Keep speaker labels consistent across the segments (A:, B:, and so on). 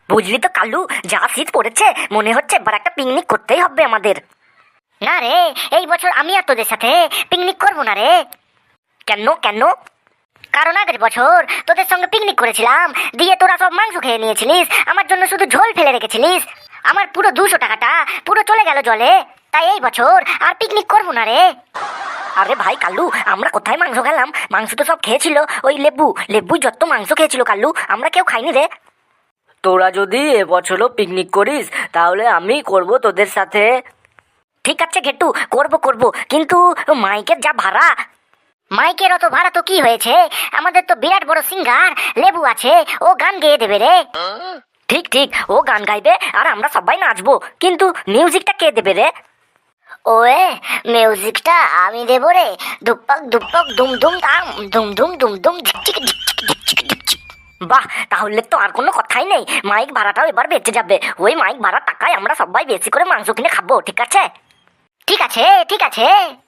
A: বুঝলি তো কালু, যা শীত পড়েছে মনে হচ্ছে এবার একটা পিকনিক করতেই হবে আমাদের। না রে, এই বছর আমি আর তোদের সাথে পিকনিক করবো না রে। কেন কেন? কারণ আগের বছর তোদের সঙ্গে পিকনিক করেছিলাম, দিয়ে তোরা সব মাংস খেয়ে নিয়েছিলিস, আমার জন্য শুধু ঝোল ফেলে রেখেছিলিস। আমার পুরো 200 টাকাটা পুরো চলে গেল জলে। তাই এই বছর আর পিকনিক করবো না রে। আরে ভাই কাল্লু, আমরা কোথায় মাংস খেলাম? মাংস তো সব খেয়েছিল ওই লেবু যত মাংস খেয়েছিল কাল্লু, আমরা কেউ খাইনি রে।
B: তোরা যদি এবছরও পিকনিক করিস তাহলে আমি করব তোদের সাথে।
A: ঠিক আছে ঘেটু, করবো, কিন্তু মাইকের যা ভাড়া। মাইকের অত ভাড়া তো কি হয়েছে, আমাদের তো বিরাট বড় সিঙ্গার লেবু আছে, ও গান গেয়ে দেবে রে। ঠিক ঠিক, ও গান গাইবে আর আমরা সবাই নাচবো, কিন্তু মিউজিকটা কে দেবে রে? ওয়ে, মিউজিকটা আমি দেবো রে। দুপক দুপক দুম দুম দাম, দুম দুম দুম দুম ঝিকচিক ঝিকচিক ঝিকচিক ঝিকচিক। বাহ, তাহলে তো আর কোনো কথাই নেই, মাইক ভাড়াটাও এবার বেঁচে যাবে। ওই মাইক ভাড়ার টাকায় আমরা সবাই বেশি করে মাংস কিনে খাবো, ঠিক আছে? ঠিক আছে ঠিক আছে।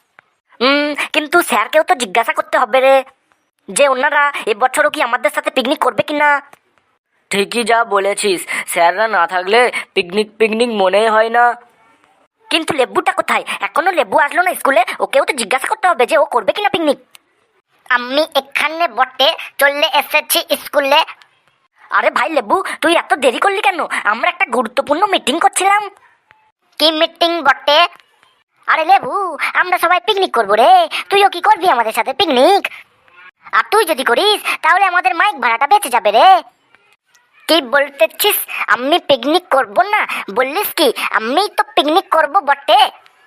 A: কিন্তু স্যারকেও তো জিজ্ঞাসা করতে হবে রে, যে ওনারা এবছরও কি আমাদের সাথে পিকনিক করবে কিনা।
B: ঠিকই যা বলেছিস, স্যাররা না থাকলে পিকনিক পিকনিক মনেই হয় না।
A: কিন্তু লেবুটা কোথায়? এখনো লেবু আসলো না স্কুলে, ওকেও তো জিজ্ঞাসা করতে হবে যে ও করবে কিনা পিকনিক। আমি এখানে বটে চলে এসেছি স্কুলে। আরে ভাই লেবু, তুই এত দেরি করলি কেন? আমরা একটা গুরুত্বপূর্ণ মিটিং করছিলাম। কি মিটিং বটে? আরে লেবু, আমরা সবাই পিকনিক করবো রে, তুইও কি করবি আমাদের সাথে পিকনিক? আর তুই যদি করিস তাহলে আমাদের মাইক ভাড়াটা বেঁচে যাবে রে। কি বলতেছিস আমি পিকনিক করব না? বললিস কি আমি তো পিকনিক করব বটে।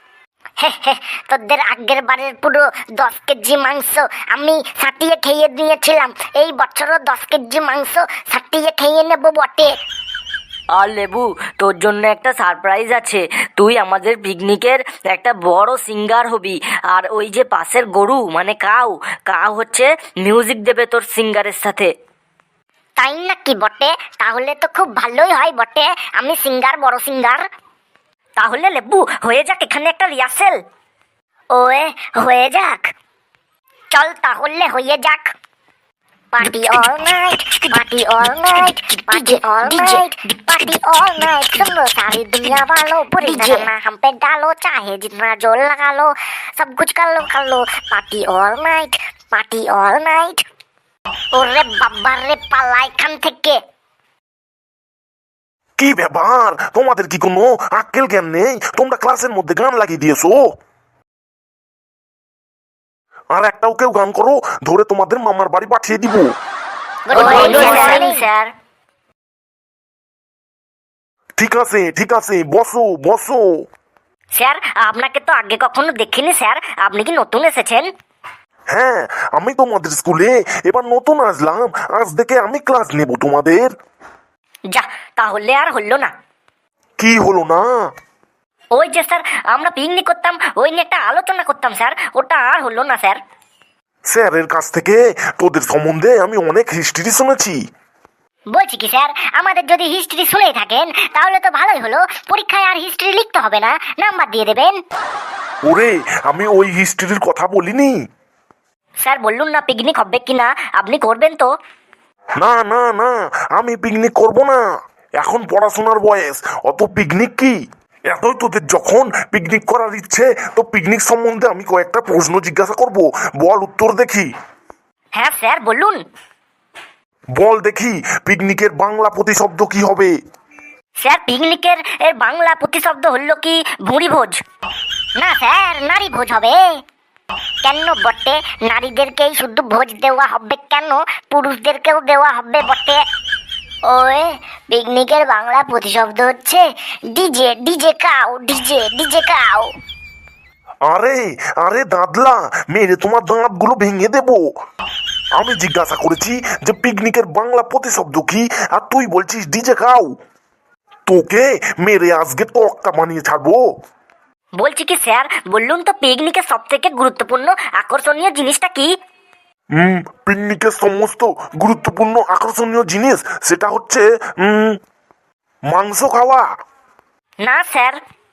A: তোদের আগের বারের পুরো 10 কেজি মাংস আমি সাটিয়ে খেয়ে দিয়েছিলাম, এই বছরও 10 কেজি মাংস সাটিয়ে খেয়ে নেব বটে।
B: আর লেবু, তোর জন্য একটা সারপ্রাইজ আছে। তুই আমাদের পিকনিকের একটা বড় সিঙ্গার হবি, আর ওই যে পাশের গরু মানে কাউ কাউ হচ্ছে মিউজিক দেবে তোর সিঙ্গারের সাথে।
A: তাই নাকি বটে? তাহলে তো খুব ভালোই হয় বটে, আমি সিঙ্গার, বড় সিঙ্গার। তাহলে লেবু হয়ে যাক এখানে একটা রিহার্সেল। ওয়ে, হয়ে যাক, চল তাহলে হয়ে যাক। Party all night, party all night, party all night, party all night. सुनो सारी दुनिया वालों, बुरी नजर हम पे डालो, चाहे जितना जोर लगा लो, सब कुछ कर लो। Party all night, party all night. ওরে বাবা রে, পালা এখান থেকে।
C: কি ব্যাপার, তোমাদের কি কোনো আক্কেল জ্ঞান নেই? তোমরা ক্লাসের মধ্যে গান লাগিয়ে দিয়েছো, আর একটাও কেউ গান করো ধরে তোমাদের মামার বাড়ি পাঠিয়ে দিব।
A: স্যার,
C: ঠিক আছে, বসো বসো।
A: স্যার আপনাকে তো আগে কখনো দেখিনি স্যার, আপনি কি নতুন এসেছেন?
C: হ্যাঁ, আমি তোমাদের স্কুলে এবার নতুন আসলাম, আজ থেকে আমি ক্লাস নেব তোমাদের।
A: যা, তাহলে আর হলো না।
C: কি হলো না?
A: ওই যে স্যার, আমরা পিকনিক করতাম, ওই নিয়ে একটা আলোচনা করতাম স্যার, ওটা আর হলো না স্যার।
C: স্যারের কাছ থেকে তোদের সম্বন্ধে আমি অনেক হিস্ট্রি শুনেছি।
A: বলছি কি স্যার, আমাদের যদি হিস্ট্রি শুনেই থাকেন তাহলে তো ভালোই হলো, পরীক্ষায় আর হিস্ট্রি লিখতে হবে না, নাম্বার দিয়ে দেবেন।
C: ওরে, আমি ওই হিস্ট্রির কথা বলিনি।
A: স্যার বললুন না পিকনিক হবে কিনা, আপনি করবেন তো?
C: না না না, আমি পিকনিক করব না, এখন পড়াশোনার বয়স, অত পিকনিক কি? এতই তোদের যখন পিকনিক করার ইচ্ছে, তো পিকনিক সম্বন্ধে আমি কয়েকটা প্রশ্ন জিজ্ঞাসা করব, বল উত্তর দেখি।
A: হ্যাঁ স্যার বলুন।
C: বল দেখি, পিকনিকের বাংলা প্রতিশব্দ কি হবে?
A: স্যার পিকনিকের বাংলা প্রতিশব্দ হলো কি ভুঁড়ি ভোজ? না স্যার, নারী ভোজ হবে। কেন বটে? নারীদেরকেই শুধু ভোজ দেওয়া হবে কেন, পুরুষদেরকেও দেওয়া হবে বটে। ওই পিকনিকের বাংলা প্রতিশব্দ হচ্ছে ডিজে, ডিজে কাউ, ডিজে, ডিজে কাউ।
C: আরে আরে দাদলা, মেরে তোমার দাঁতগুলো ভেঙে দেব। আমি জিজ্ঞাসা করেছি যে পিকনিকের বাংলা প্রতিশব্দ কি, আর তুই বলছিস ডিজে খাও। তোকে মেরে আজকে তক্তা বানিয়ে ছাড়বো।
A: বলছি কি স্যার, বললুন তো পিকনিকের সব থেকে গুরুত্বপূর্ণ আকর্ষণীয় জিনিসটা কি?
C: পিকনিকের সমস্ত গুরুত্বপূর্ণ আকর্ষণীয় জিনিস সেটা হচ্ছে মাংস খাওয়া।
A: না স্যার।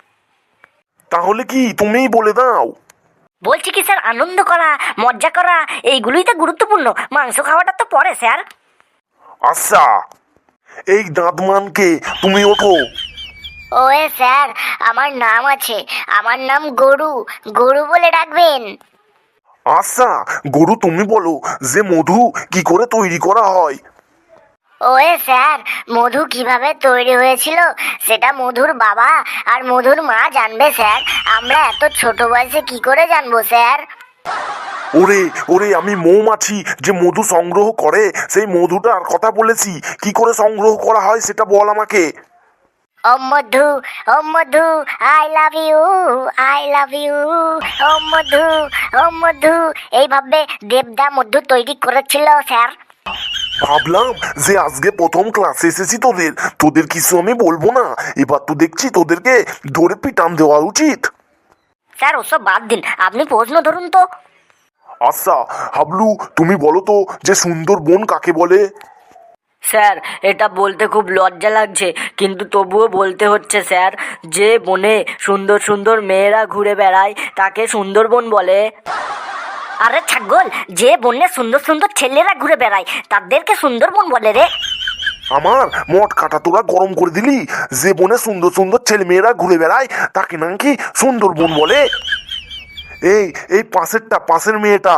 C: তাহলে কি তুমিই বলে দাও।
A: বলছি কি স্যার, আনন্দ করা, মজা করা, এইগুলোই তো গুরুত্বপূর্ণ, মাংস খাওয়াটা তো পরে স্যার।
C: আচ্ছা, এই দাঁতমানকে, তুমি ওঠো।
A: ওয়ে স্যার, আমার নাম আছে, আমার নাম গরু, গরু বলে ডাকবেন।
C: আচ্ছা গরু, তুমি বলো যে মধু কি করে তৈরি করা হয়।
A: ওয়ে স্যার, মধু কিভাবে তৈরি হয়েছিল সেটা মধুর বাবা আর মধুর মা জানবে স্যার, আমরা এত ছোট বয়সে কি করে জানবো স্যার?
C: ওরে ওরে, আমি মৌমাছি যে মধু সংগ্রহ করে সেই মধুটার কথা বলেছি, কি করে সংগ্রহ করা হয় সেটা বল আমাকে।
A: ও মধু, ও মধু, I love you, I love you, ও মধু, ও মধু, এইভাবে দেবদা মধু তৈরি করেছিল স্যার।
C: ভাবলাম যে আজকে প্রথম ক্লাসে এসেছি, তোদের তোদের কিছু আমি বলবো না, এবার তো দেখছি তোদেরকে ধরে পিটান দেওয়া উচিত।
A: স্যার ওসব বাদ দিন, আপনি প্রশ্ন ধরুন তো।
C: আচ্ছা হাবলু, তুমি বলো তো যে সুন্দরবন কাকে বলে।
B: স্যার এটা বলতে খুব লজ্জা লাগছে, কিন্তু তবুও বলতে হচ্ছে স্যার। যে বনে সুন্দর সুন্দর মেয়েরা ঘুরে বেড়ায় তাকে সুন্দরবন বলে।
A: আরে ছাগল, যে বন্যে সুন্দর সুন্দর ছেলেরা ঘুরে বেড়ায় তাদেরকে সুন্দরবন বলে রে।
C: আমার মট কাটা তোরা গরম করে দিলি। যে বনে সুন্দর সুন্দর ছেলে মেয়েরা ঘুরে বেড়ায় তাকে নাকি সুন্দরবন বলে। এই এই পাশের মেয়েটা,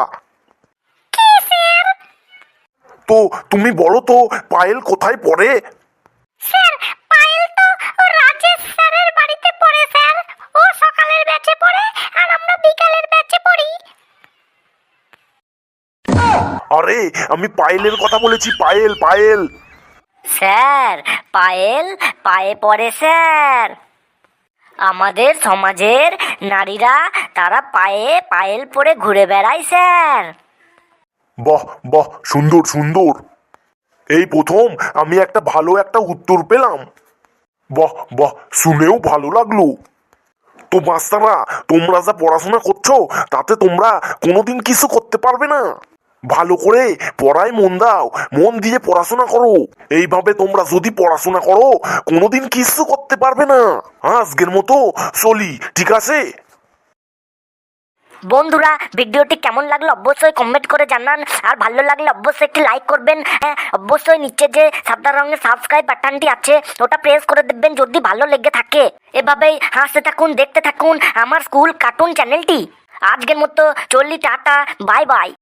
C: তো তুমি বলো তো পায়েল কোথায় পড়ে।
A: স্যার পায়েল তো রাজেশ স্যারের বাড়িতে পড়ে স্যার, ও সকালের ব্যাচে পড়ে আর আমরা বিকালের ব্যাচে পড়ি।
C: আরে আমি পায়েলের কথা বলেছি, পায়েল পায়েল।
B: স্যার পায়েল পায়ে পড়ে স্যার। আমাদের সমাজের নারীরা তারা পায়ে পায়েল পরে ঘুরে বেড়ায় স্যার।
C: বাহ বাহ, সুন্দর সুন্দর। এই প্রথম আমি একটা ভালো একটা উত্তর পেলাম। বাহ বাহ, শুনেও ভালো লাগলো। তো বাচ্চারা, তোমরা যা পড়াশোনা করছো তাতে তোমরা কোনোদিন কিছু করতে পারবে না। ভালো করে পড়ায় মন দাও, মন দিয়ে পড়াশোনা করো। এইভাবে তোমরা যদি পড়াশোনা করো কোনোদিন কিছু করতে পারবে না। আজকের মতো চলি, ঠিক আছে?
A: বন্ধুরা, ভিডিওটি কেমন লাগলো অবশ্যই কমেন্ট করে জানান, আর ভালো লাগলে অবশ্যই একটি লাইক করবেন। হ্যাঁ, অবশ্যই নিচে যে সাদা রঙের সাবস্ক্রাইব বাটনটি আছে ওটা প্রেস করে দেবেন যদি ভালো লেগে থাকে। এভাবেই হাসতে থাকুন, দেখতে থাকুন আমার স্কুল কার্টুন চ্যানেলটি। আজকের মতো চললি, টাটা, বাই বাই।